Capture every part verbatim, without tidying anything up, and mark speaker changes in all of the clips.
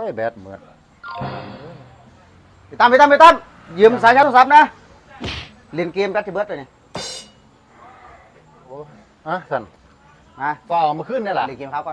Speaker 1: แบตเหมือน
Speaker 2: ไปตามไปตามไปตามยืมสายชาร์จโทรศัพท์นะเล่นเกมแบตที่เบิร์ดเลยนี่
Speaker 1: โอ้อะสัน
Speaker 2: มา
Speaker 1: ก็เอามาขึ้นนี่แหละ
Speaker 2: เล่นเกมครับก่อน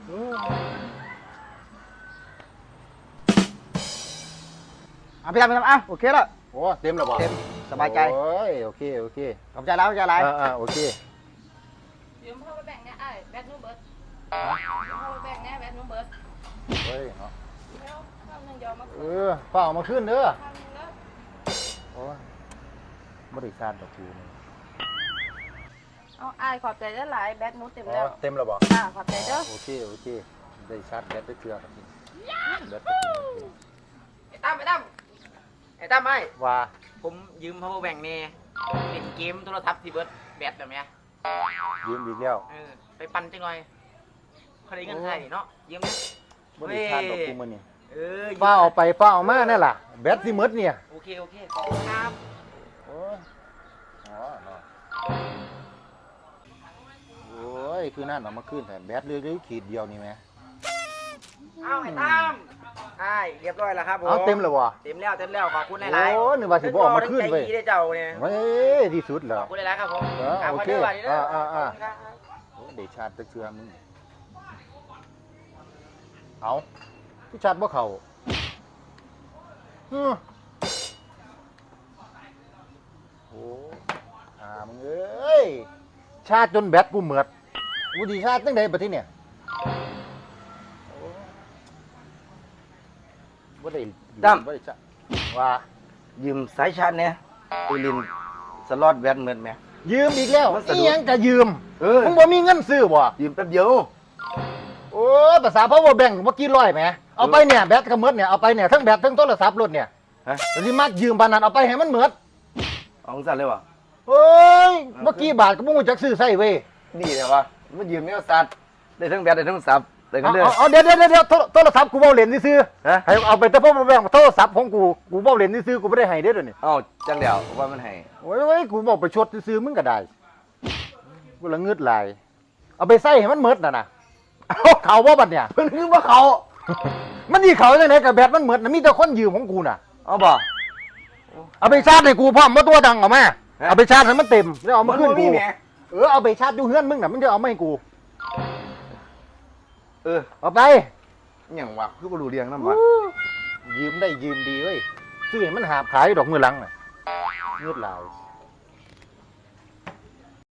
Speaker 2: อ่ะไปตามไปตามอ่ะโอเคแล้ว
Speaker 1: โอ้เต็มแล้วบ่
Speaker 2: เต็มสบายใจ
Speaker 1: โอ้ยโอเคโอเค
Speaker 2: ขอบใจแล้วขอบใจอะไร
Speaker 1: อ่าโอเค
Speaker 3: ยืมพ่อไปแบ่งเนี่ยไอ้แบตนู้เบิร์ดยืมพ่อไปแบ่งเนี่ยแบตนู้เบิร์ด
Speaker 1: เฮ้ยเนาะ
Speaker 3: แล้วข้าวหนึ่งยอมมา
Speaker 1: เออฝ้าเอามาขึ้นเด้อ
Speaker 3: ข้าวหนึ่งแล้ว
Speaker 1: โอ้ยบริษัทดอกคูนี่
Speaker 3: เอาไอ้ขอบใจได้หลายแบตนู้เต็ม
Speaker 1: อ๋
Speaker 3: แล้ว
Speaker 1: อเต็มแล้วบ่
Speaker 3: อ่าขอบใจเด้อ
Speaker 1: โอเคโอเคได้ชาร์จแบตได้เทื่อครับพี่แบต
Speaker 4: ไอ้ตั้มไอ้ตั้มไอ้ตั้มไอ้
Speaker 1: ว่า
Speaker 4: ผมยืม power bank เนี่ยเล่นเกมโทรศัพท์ที่เบิร์ดแบตแบบเนี้ย
Speaker 1: ยืมอีกแล้ว
Speaker 4: เออไปปั่นจังหน่อยเขาได้เงินใช่เนาะยืมไหม
Speaker 1: บริษัทดอกคูมันนี่
Speaker 4: เออ
Speaker 1: ฝ้าเอาไปฝ้าเอามานั่นล่ะแบตสิหมดเนี่ย
Speaker 4: โอเคโอเคขอบคุณครับ
Speaker 1: โอ้ยอ๋อเนาะโอ้ยคือนั่นเอามาขึ้นแต่แบตเรื่อยๆขีดเดียวนี่ไหม
Speaker 4: เอาไอ้ตั้มไอ้เรียบร้อยแล้วครับผม
Speaker 1: เอาเต็มแล้ววะ
Speaker 4: เต็มแล้วเต็มแล้วขอบคุณหลายๆ
Speaker 1: โอ้นึกว่าสิบ่เอามาขึ้นเว้ย
Speaker 4: ใจดีได้เจ้าเนี่ย
Speaker 1: เว้ยที่สุดเหร
Speaker 4: ข
Speaker 1: อ
Speaker 4: อบคุณหลายๆครับผม
Speaker 1: เออโอเค
Speaker 4: ขบณด้วย
Speaker 1: อ่าอ่าอ่า
Speaker 4: ขบคุณครับ
Speaker 1: โอ้เดชาติตะเชือมึงเอาพี่ชาติบ่เขาฮึโอ้อ่ามึงเอ้ยชาติจนแบตกูเหมือดกูดีชาติตั้งแต่บัดทีเนี่ยโอ้บ่ได้บ่ได้ชาว่า
Speaker 2: ยืมสายชาร์จเนี่ยไปเล่นสล็อตแบตเหมือนไหม
Speaker 1: ยืมอีกแล้ว
Speaker 2: มันสะดวก
Speaker 1: นี่ยังจะยืม
Speaker 2: เออ
Speaker 1: มึงบ่มีเงินซื้อบ่
Speaker 2: ยืมแป๊บเดียว
Speaker 1: โอ้ยภาษา power bank เมื่อกี้ร้อยแหมเอาไปเนี่ยแบตก็หมดเนี่ยเอาไปเนี่ยทั้งแบตทั้งโทรศัพท์รถเนี่ย
Speaker 2: ฮะ
Speaker 1: แล้วที่มายืมปานนั้นเอาไปให้มันหมด
Speaker 2: เอาของสั่นเลยวะ
Speaker 1: เฮ้ยเมื่อกี้บาทก็บ่รู้จักซื้อใส่เว้ย
Speaker 2: นี่เลยวะมันยืมเนี่ยสัตว์ได้ทั้งแบตได้ทั้งสับได้กั
Speaker 1: เอา
Speaker 2: นเด้อ
Speaker 1: เอาเอาเดี๋ยวเดี๋ยวเดี๋ยวโทรโทรศัพท์กูเว้าเล่นซื่อ
Speaker 2: ฮะ
Speaker 1: ๆให้เอาไปแต่ power bank โทรศัพท์ของกูกูเว้าเล่นซื่อๆกูบ่ได้ให้เด้อเดี๋ยวนี้
Speaker 2: เอ้าจังเดียวว่ามันให้
Speaker 1: โอ้ยโอ้ยกูบอกไปชดซื่อๆมึงก็ได้กูละงึดหลายเอาไปใส่ให้มันหมดน่ะนะเอาเขาบ่บัดเนี่ย
Speaker 2: เพิ่นคือว่าเขา
Speaker 1: มันสิเขาจังได๋กับแบตมันหมดน่ะมีแต่คนยืมของกูน่ะ
Speaker 2: เอาบ่
Speaker 1: เอาไปชาร์จให้กูพร้อมมาตัวดังเอามา
Speaker 2: ฮะ
Speaker 1: เอาไปชาร์จให้มันเต็มแล้วเอามาขึ้น
Speaker 2: บ่
Speaker 1: กู
Speaker 2: มีแหม
Speaker 1: เออเอาไปชาร์จอยู่เฮือนมึงน่ะมึงจะเอามาให้กู
Speaker 2: เออ
Speaker 1: เอาไป
Speaker 2: หยังวะคือบ่รู้เรื่องนำวะ
Speaker 1: ยืมได้ยืมดีเว้ยซื้อให้มันหาบขายดอกมือหลังน่ะเงือดลาย